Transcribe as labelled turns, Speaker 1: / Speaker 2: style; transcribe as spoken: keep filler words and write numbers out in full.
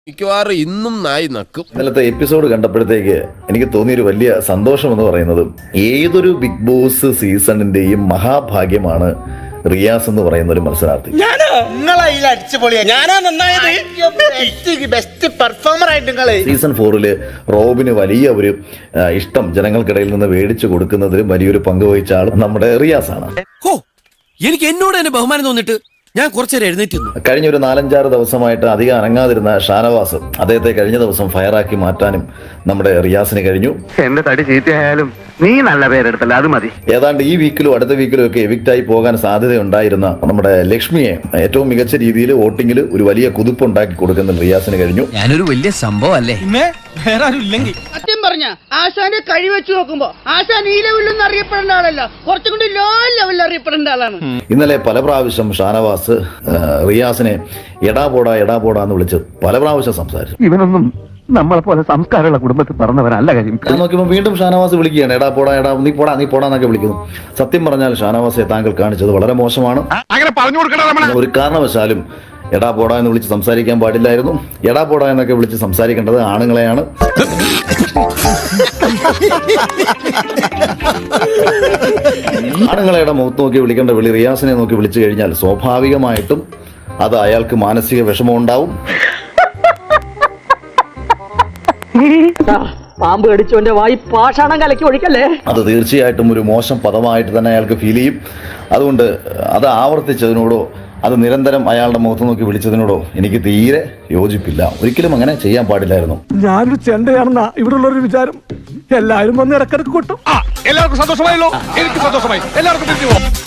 Speaker 1: മിക്കവാറും ഇന്നും നായി നക്കും.
Speaker 2: ഇന്നലത്തെ എപ്പിസോഡ് കണ്ടപ്പോഴത്തേക്ക് എനിക്ക് തോന്നിയൊരു വലിയ സന്തോഷം എന്ന് പറയുന്നത്, ഏതൊരു ബിഗ് ബോസ് സീസണിന്റെയും മഹാഭാഗ്യമാണ് റിയാസ് എന്ന് പറയുന്ന ഒരു മത്സരാർത്ഥി. സീസൺ ഫോറില് റോബിന് വലിയ ഒരു ഇഷ്ടം ജനങ്ങൾക്കിടയിൽ നിന്ന് മേടിച്ചു കൊടുക്കുന്നതിലും വലിയൊരു പങ്ക് വഹിച്ച ആൾ നമ്മുടെ റിയാസ് ആണ്.
Speaker 3: എനിക്ക് എന്നോട് തന്നെ ബഹുമാനം തോന്നിട്ട് ഞാൻ കുറച്ചേരം എഴുന്നേറ്റുന്നു.
Speaker 2: കഴിഞ്ഞ ഒരു നാലഞ്ചാറ് ദിവസമായിട്ട് അധികം അനങ്ങാതിരുന്ന ഷാനവാസ് അദ്ദേഹത്തെ കഴിഞ്ഞ ദിവസം ഫയറാക്കി മാറ്റാനും നമ്മുടെ റിയാസിന് കഴിഞ്ഞു.
Speaker 4: എന്റെ തടി ചീത്തയായാലും നീ നല്ല പേരെടുത്തല്ല, അത് മതി.
Speaker 2: ഏതാണ്ട് ഈ വീക്കിലും അടുത്ത വീക്കിലും ഒക്കെ എവിക്റ്റായി പോകാൻ സാധ്യതയുണ്ടായിരുന്ന നമ്മുടെ ലക്ഷ്മിയെ ഏറ്റവും മികച്ച രീതിയിൽ വോട്ടിങ്ങിൽ ഒരു വലിയ കുതിപ്പുണ്ടാക്കി കൊടുക്കുന്ന റിയാസിന് കഴിഞ്ഞു.
Speaker 3: ഞാനൊരു വലിയ സംഭവം അല്ലേ,
Speaker 5: സത്യം പറഞ്ഞ ആശാന്റെ കഴി വെച്ച് നോക്കുമ്പോ ആശാൻ ഈ ലെവലിൽ അറിയപ്പെടേണ്ട ആളല്ല, കുറച്ചും കൂടി ലോ ലെവലിൽ അറിയപ്പെടേണ്ട ആളാണ്.
Speaker 2: ഇന്നലെ പല പ്രാവശ്യം ഷാനവാസ് റിയാസിനെ എടാ പോടാ എടാ പോടാ എന്ന് വിളിച്ച് പല പ്രാവശ്യം സംസാരിച്ചു.
Speaker 4: ഇവനൊന്നും നമ്മളെ പോലെ സംസ്കാരമുള്ള കുടുംബത്തിൽ പറഞ്ഞവരല്ല കാര്യം.
Speaker 2: ഞാൻ നോക്കിയപ്പോൾ വീണ്ടും ഷാനവാസ് വിളിക്കുകയാണ്, എടാ പോടാ എടാ നീ പോടാ നീ പോടാ എന്നൊക്കെ വിളിക്കുന്നു. സത്യം പറഞ്ഞാൽ ഷാനവാസെ താങ്കൾ കാണിച്ചത് വളരെ മോശമാണ്. ഒരു കാരണവശാലും എടാ പോടാ എന്ന് വിളിച്ച് സംസാരിക്കാൻ പാടില്ലായിരുന്നു. എടാ പോടാ എന്നൊക്കെ വിളിച്ച് സംസാരിക്കേണ്ടത് ആണുങ്ങളെയാണ്. ആണുങ്ങളെയുടെ മുഖത്ത് നോക്കി വിളിക്കേണ്ട വിളി റിയാസിനെ നോക്കി വിളിച്ചു കഴിഞ്ഞാൽ സ്വാഭാവികമായിട്ടും അത് അയാൾക്ക് മാനസിക വിഷമം ഉണ്ടാവും.
Speaker 5: പാമ്പ് കടിച്ചോന്റെ വായി പാഷാണം കലക്കി ഒഴിക്കല്ലേ.
Speaker 2: അത് തീർച്ചയായിട്ടും ഒരു മോശം പദമായിട്ട് തന്നെ അയാൾക്ക് ഫീൽ ചെയ്യും. അതുകൊണ്ട് അത് ആവർത്തിച്ചതിനോടോ അത് നിരന്തരം അയാളുടെ മുഖത്ത് നോക്കി വിളിച്ചതിനോടോ എനിക്ക് തീരെ യോജിപ്പില്ല. ഒരിക്കലും അങ്ങനെ ചെയ്യാൻ പാടില്ലായിരുന്നു.
Speaker 6: ഞാനൊരു ചെണ്ടയാണെന്നാ ഇവിടെ ഉള്ളൊരു വിചാരം. എല്ലാവരും വന്ന് ഇടക്കിടക്ക് കൊട്ടും.
Speaker 7: എല്ലാവർക്കും സന്തോഷമായല്ലോ, എനിക്ക് സന്തോഷമായി. എല്ലാവർക്കും